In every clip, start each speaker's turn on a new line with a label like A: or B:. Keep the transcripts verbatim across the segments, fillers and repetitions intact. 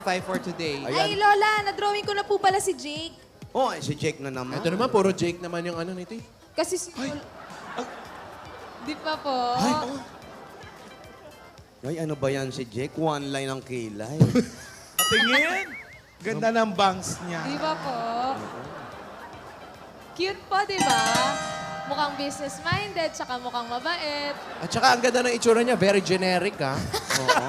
A: tayo for today.
B: Ay, Lola, na-drawing ko na po pala si Jake.
C: Oh, si Jake na naman.
D: Ito naman, puro Jake naman yung ano nito.
B: Kasi si... Di pa po.
C: Ay, ano ba yan si Jake? One line ang kilay.
E: Tingin. Ganda ng bangs niya.
B: Di ba po? Cute po, di ba? Mukhang business-minded, tsaka mukhang mabait.
D: At saka ang ganda ng itsura niya, very generic ha.
C: Oo.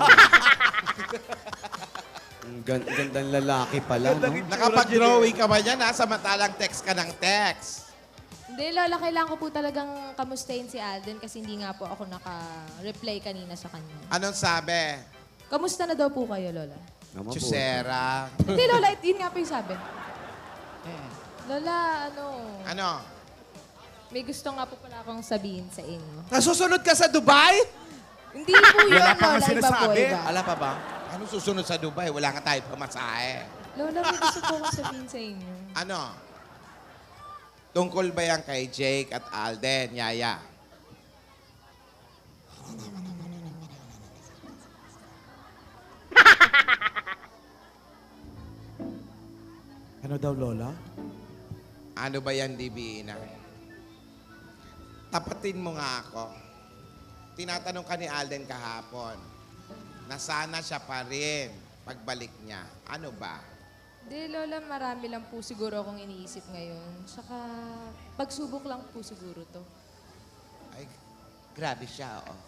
C: Ang gan- gandang lalaki pala, no?
E: Nakapag-drawing ka ba yan, ha? Samantalang text ka ng text.
B: Hindi, Lola, kailangan ko po talagang kamustahin si Alden kasi hindi nga po ako naka-reply kanina sa kanya.
E: Anong sabi?
B: Kamusta na daw po kayo, Lola?
C: Naman po.
E: Chusera.
B: Hindi, Lola, it- yun nga po yung sabi. Lola, ano,
E: Ano?
B: may gusto nga po pala akong sabihin sa inyo.
D: Nasusunod ka sa Dubai?
B: Hindi po yun,
E: Wala pa nga
B: Lola. Iba po,
E: sinasabi.
B: iba.
D: Ala pa ba?
E: Ano susunod sa Dubai? Wala nga tayo pamasahe.
B: Lola, may gusto po akong sabihin sa inyo.
E: Ano? Tungkol ba yan kay Jake at Alden, Yaya?
F: Ano daw, Lola?
E: Ano ba yan, Divina? Tapatin mo nga ako. Tinatanong ka ni Alden kahapon na sana siya pa rin pagbalik niya. Ano ba?
B: Hindi, Lola, marami lang po siguro akong iniisip ngayon. Saka, pagsubok lang po siguro to.
E: Ay, grabe siya, oh.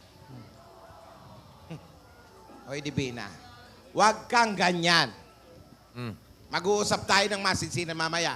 E: Hoy, Divina, huwag kang ganyan. Mag-uusap tayo ng masinsinan mamaya.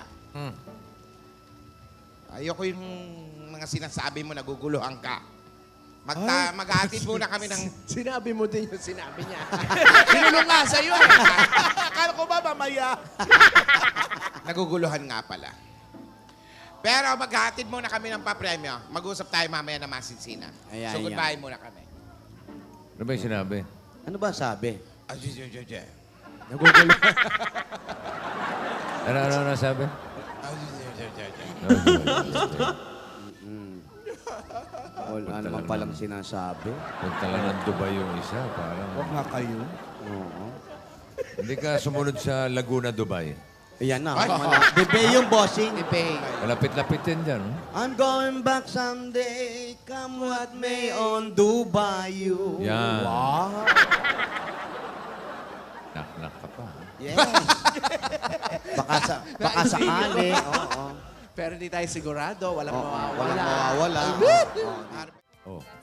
E: Ayoko yung mga sinasabi mo, naguguluhan ka. Magta maghatid muna kami ng...
D: Sinabi mo din yung sinabi niya. Sinulong nga sa'yo eh.
F: Akala ko ba mamaya?
E: Naguguluhan nga pala. Pero maghatid muna kami ng papremyo. Mag-uusap tayo mamaya ng masinsinan.
C: Ayan,
E: So,
C: ayan.
E: goodbye muna kami.
G: Ano ba yung sinabi?
C: Ano ba sabi?
E: Ay, ay, ay, ay, ay.
D: Nagugulo.
G: Ano, ano, ano sabi?
E: Ay, ay, ay, ay, ay.
C: Wala naman palang sinasabi.
G: Punta lang ng Dubai yung isa. Parang,
F: Huwag nga kayo.
C: Oo.
G: hindi ka sumunod sa Laguna, Dubai.
C: Ayan na.
E: Ay.
C: Bebe yung bossing.
D: Ipay.
G: Malapit-lapit din dyan. oh.
C: I'm going back someday, come what may on Dubai you.
G: Yan.
C: Wow.
G: Nak-nak ka pa. ha?
C: Yes. baka sa, baka sakali. Oo.
D: Pero hindi tayo sigurado. Walang
C: Oo.
D: mawawala.
C: Walang mawawala. Oo.
G: Oh.